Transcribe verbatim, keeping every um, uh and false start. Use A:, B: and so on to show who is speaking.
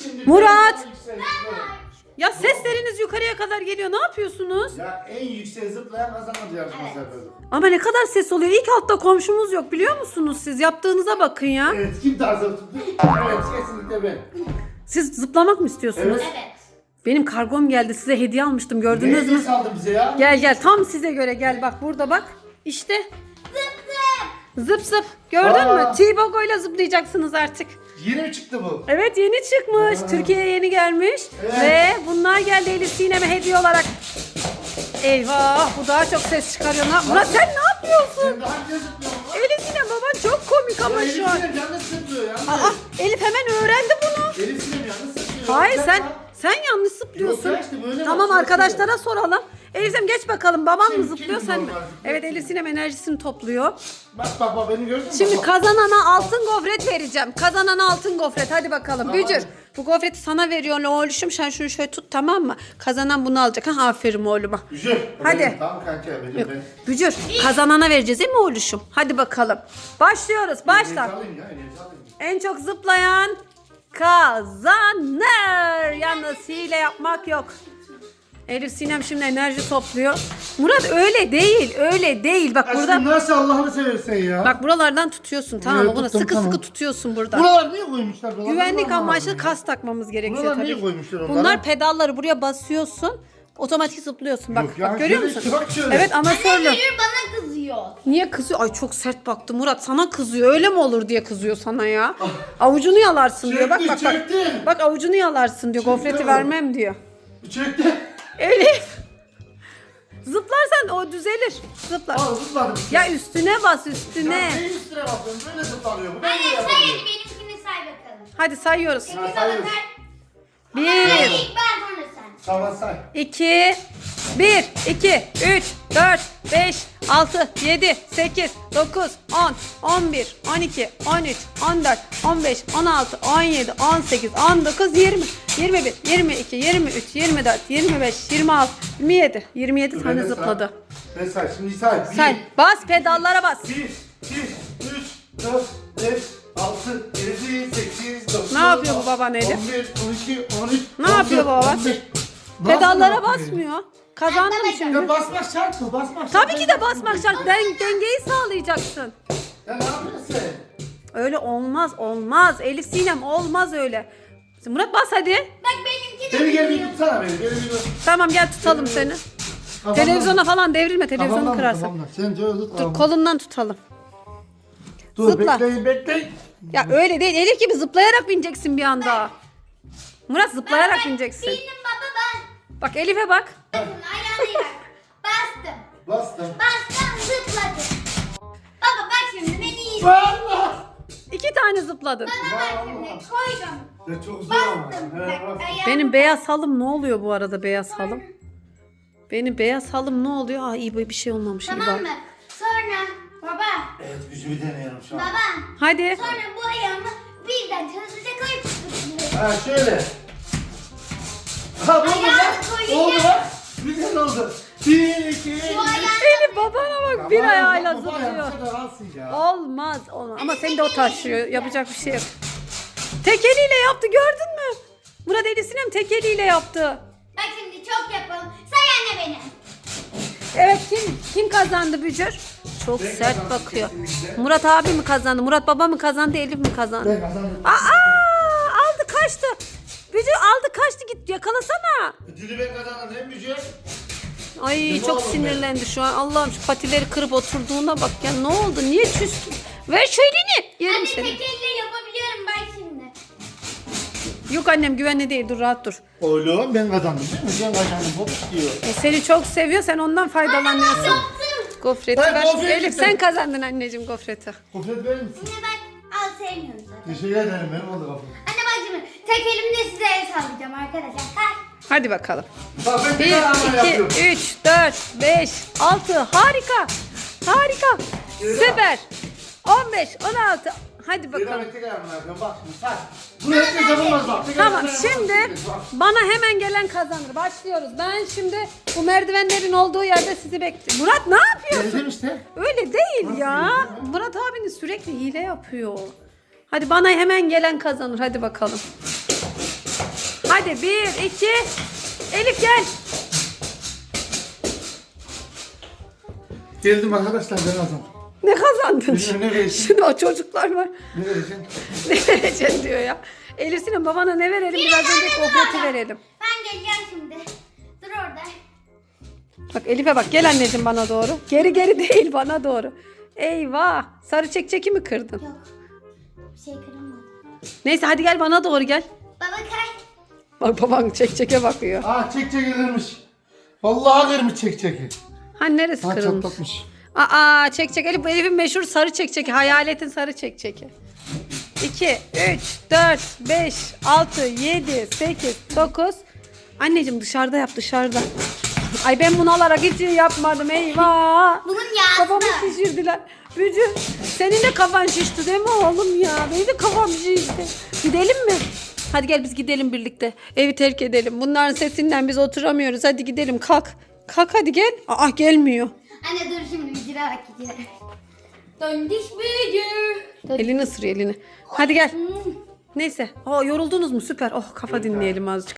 A: Murat! Ya sesleriniz yukarıya kadar geliyor. Ne yapıyorsunuz?
B: Ya en yüksek zıplayan kazanır yarışması yapıyorduk.
A: Ama ne kadar ses oluyor. İlk altta komşumuz yok biliyor musunuz siz? Yaptığınıza bakın ya.
B: Evet, kim daha zıp tuttu? Evet, kesinlikle ben.
A: Siz zıplamak mı istiyorsunuz?
B: Evet.
C: Evet.
A: Benim kargom geldi. Size hediye almıştım. Gördünüz
B: Ne
A: mü?
B: hediye saldı bize ya?
A: Gel gel. Tam size göre gel. Bak burada bak. İşte.
C: Zıp zıp.
A: Zıp zıp. Gördün
B: Aa.
A: mü? T-Bogo ile zıplayacaksınız artık.
B: Yeni mi çıktı bu?
A: Evet yeni çıkmış.
B: Aa.
A: Türkiye'ye yeni gelmiş.
B: Evet.
A: Ve bunlar geldi Elif Sinem'e hediye olarak. Eyvah bu daha çok ses çıkarıyor. Na- Murat sen ne yapıyorsun?
B: Sen daha önce zıplıyorsun.
A: Elif Sinem baban çok komik ama
B: Elif
A: şu an.
B: Sinem yalnız zıplıyor ya.
A: Aa, Elif hemen öğrendi bunu.
B: Elif Sinem yalnız zıplıyor.
A: Hayır
B: Bir
A: sen
B: dakika.
A: sen yanlış zıplıyorsun.
B: Yok ya işte böyle
A: Tamam
B: bak,
A: arkadaşlara soralım. Elif Sinem geç bakalım baban mı
B: Kim-
A: zıplıyor
B: kim
A: sen mi?
B: normal zıplıyor?
A: Evet Elif Sinem enerjisini topluyor.
B: Bak bak bak beni gördün mü?
A: Şimdi
B: Bak.
A: kazanana altın gofret vereceğim. Kazanana altın gofret. Hadi bakalım.
B: Tamam.
A: Bücür. Bu gofreti sana veriyorum oğluşum. Sen şunu şöyle tut tamam mı? Kazanan bunu alacak. Ha, aferin oğluma.
B: Güzel.
A: Hadi.
B: Benim, tamam kanka benim
A: Yok.
B: ben.
A: Bücür. Kazanana vereceğiz değil mi oğluşum? Hadi bakalım. Başlıyoruz. Başla.
B: Enerji alayım ya, enerji alayım.
A: En çok zıplayan kazanır. Yalnız hile yapmak yok. Elif Sinem şimdi enerji topluyor. Murat öyle değil. Öyle değil. Bak burada.
B: Aşkım nasıl Allah'ını seversen ya.
A: Bak buralardan tutuyorsun tamam mı?
B: Evet,
A: Bunu
B: tuttum,
A: sıkı
B: tamam.
A: sıkı tutuyorsun burada.
B: Buralar niye koymuşlar? Buralar
A: Güvenlik
B: buralar
A: amaçlı
B: lazım ya.
A: kas takmamız gerekiyor
B: Buralar
A: tabii.
B: niye koymuşlar onları?
A: Bunlar pedalları buraya basıyorsun. Otomatik zıplıyorsun. Bak,
B: Yok ya,
A: bak görüyor
B: şöyle
A: musun?
B: işte, bak şöyle.
A: Evet amatörlü.
C: Müdür bana kızıyor.
A: Niye kızıyor? Ay çok sert baktı Murat. Sana kızıyor. Öyle mi olur diye kızıyor sana ya. Avucunu yalarsın diyor. Bak
B: Çekti,
A: bak bak.
B: çekti.
A: Bak avucunu yalarsın diyor.
B: Çekti
A: Gofreti
B: o.
A: vermem diyor.
B: Çekti.
A: Elif. Zıplarsan o düzelir. Zıplar.
B: Al zıpladım.
A: Ya üstüne bas
B: Ya
A: üstüne.
B: ne üstüne basıyorsun? Böyle zıplanıyor. Bu ne
C: Anne
B: böyle
C: say
B: yapıyor?
C: hadi benimkini say bakalım.
A: Hadi sayıyoruz.
B: Ha,
C: Sekiz
B: sayıyoruz.
C: bakar.
A: Bir.
C: Hayır ilk ben sonra sen.
B: Tamam say.
A: iki, bir, iki, üç, dört, beş, altı, yedi, sekiz, dokuz, on, on bir, on iki, on üç, on dört, on beş, on altı, on yedi, on sekiz, on dokuz, yirmi, yirmi bir, yirmi iki, yirmi üç, yirmi dört, yirmi beş, yirmi altı, yirmi yedi. yirmi yedi
B: Dur,
A: tane
B: ben de
A: zıpladı.
B: say. Ben say. Şimdi say. Bir,
A: Say. Bas pedallara bas.
B: Bir, iki, üç, dört, beş, altı, yedi, sekiz, dokuz,
A: Ne yapıyor bu baban Elif?
B: on bir, on iki, on üç,
A: Ne yapıyor bu baba? Pedallara basmıyor. Kazandım şimdi.
B: Ya basmak şart mı? Basmak şart.
A: Tabii ki de basmak şart. Den- dengeyi sağlayacaksın.
B: Ya ne yapıyorsun sen?
A: Öyle olmaz olmaz. Elif Sinem olmaz öyle. Murat bas hadi.
C: Bak benimki de
B: Beni gel bir
C: kızıyor.
B: tutsana beni. Beni bir tut.
A: Tamam gel tutalım seni.
B: Kafamdan-
A: Televizyona falan devrilme. Televizyonu
B: kafamdan,
A: kırarsın.
B: kafamdan. Sen şöyle tut.
A: Dur
B: kafamdan.
A: kolundan tutalım.
B: Dur
A: zıpla.
B: bekleyin bekleyin.
A: Ya öyle değil. Elif gibi zıplayarak bineceksin bir anda. Murat zıplayarak
C: Ben
A: bineceksin.
C: Benim baba ben.
A: Bak Elif'e bak.
C: Bakın ayağını yak. Bastım.
B: Bastım.
C: Bastım zıpladım. Baba bak şimdi beni iyi.
B: Allah!
A: İki tane zıpladın.
C: Bana bak şimdi koydum.
B: Ya çok zor ama.
C: Bastım.
B: He,
C: Bak,
B: bak.
C: ayağımı
A: Benim beyaz halım ne oluyor bu arada beyaz halım? Benim beyaz halım ne oluyor? Aa iyi bir şey olmamış. iyi
C: Tamam
A: bak.
C: mı? Sonra baba.
B: Evet gücümü deniyorum şu an.
C: Baba.
A: Hadi.
C: Sonra bu ayağımı birden hızlıca koyup zıplıyorum.
B: Ha şöyle. Ha bu
C: Ayağını
B: bak.
C: koyunca-
B: Oldu bak. Güzel oldu. Bir, iki, üç.
C: Bu ayağını
A: Elif babana bak bir ayağıyla
B: Baba
A: zıplıyor.
B: yapsa da alsın ya.
A: Olmaz olmaz. Ama seni de o taşıyor. Yapacak bir şey yok. Tek eliyle yaptı gördün mü? Murat Elif Sinem tek eliyle yaptı.
C: Bak şimdi çok yapalım. Say anne beni.
A: Evet kim kim kazandı Bücür? Çok
B: Ben
A: sert
B: kazandım
A: bakıyor.
B: kesinlikle.
A: Murat abi mi kazandı? Murat baba mı kazandı? Elif mi kazandı?
B: Ben kazandım.
A: Aa aldı kaçtı. Bücür aldı kaçtı git yakalasana.
B: Ödülü ben kazandım değil mi Bücür?
A: Ay
B: Ne
A: çok
B: oldu be?
A: sinirlendi şu an. Allah'ım şu patileri kırıp oturduğuna bak ya. Ne oldu? Niye küstün? Ver şu elini. Yerim
C: Anne
A: seni.
C: tek elle yapabiliyorum bak şimdi.
A: Yok annem güvenli değil. Dur rahat dur.
B: Oğlum ben kazandım değil mi? Ben kazandım. Hop diyor.
A: E, seni çok seviyor. Sen ondan faydalanıyorsun.
C: Yaptım.
A: Gofreti
B: Ben
A: ver.
B: gofret
A: Elif
B: istedim.
A: sen kazandın anneciğim gofreti.
B: Kufret verir misin?
C: Yine bak al sevmiyorum zaten.
B: Teşekkür ederim. Benim oldu kafam.
C: Anne bak şimdi tek elimle size el sallayacağım arkadaşlar. Kalk.
A: Hadi bakalım.
B: Bak ben
A: bir,
B: bir tane ama yapıyorum.
A: iki, üç, dört, beş, altı. Harika. Harika. Süper. on beş, on altı. Hadi bakalım.
B: Bir tek ayağımla yapıyorum. Bak şimdi say. Bu herkes yapamaz bak. Tek
A: Tamam
B: ayağımla
A: şimdi
B: yapamaz. Bak.
A: bana hemen gelen kazanır. Başlıyoruz. Ben şimdi bu merdivenlerin olduğu yerde sizi bekliyorum. Murat ne yapıyorsun?
B: Geldim işte.
A: Öyle değil
B: Nasıl
A: ya.
B: değil ya?
A: Murat abiniz sürekli hile yapıyor. Hadi bana hemen gelen kazanır. Hadi bakalım. Hadi bir, iki. Elif gel.
B: Geldim arkadaşlar ben kazandım.
A: Ne kazandın?
B: Bilmiyorum, ne vereceksin?
A: Şimdi o çocuklar var.
B: Ne vereceksin?
A: Ne vereceksin diyor ya. Elif Sinem babana ne verelim? Biraz önce kokleti verelim.
C: Ben geleceğim şimdi. Dur orada.
A: Bak Elif'e bak, gel anneciğim bana doğru. Geri geri değil, bana doğru. Eyvah, sarı çekçeki mi kırdın?
C: Yok. Bir şey kırılmadı.
A: Neyse hadi gel bana doğru gel.
C: Baba kay.
A: Bak baban çekçeke bakıyor.
B: Aa çek çek kırmış. Vallahi kırmış çek çeki.
A: Ha neresi
B: Ha
A: kırılmış?
B: çatlatmış.
A: Aa çekçek Elif, bu Elif'in meşhur sarı çekçeki. Hayaletin sarı çekçeki. iki, üç, dört, beş, altı, yedi, sekiz, dokuz. Anneciğim dışarıda yap, dışarıda. Ay ben bunu alarak hiç yapmadım, eyvah.
C: Bunun yağsı
A: Kafamı
C: da.
A: şişirdiler. Bücü senin de kafan şişti değil mi oğlum ya? Benim de kafam şişti. Gidelim mi? Hadi gel biz gidelim birlikte. Evi terk edelim. Bunların sesinden biz oturamıyoruz. Hadi gidelim, kalk. Kalk hadi gel. Aa gelmiyor.
C: Anne dur şimdi bir bak gidiyorum. Döndiş büyücü.
A: Elini ısırıyor elini. Hadi gel. Neyse. Aa yoruldunuz mu? Süper. Oh kafa dinleyelim azıcık.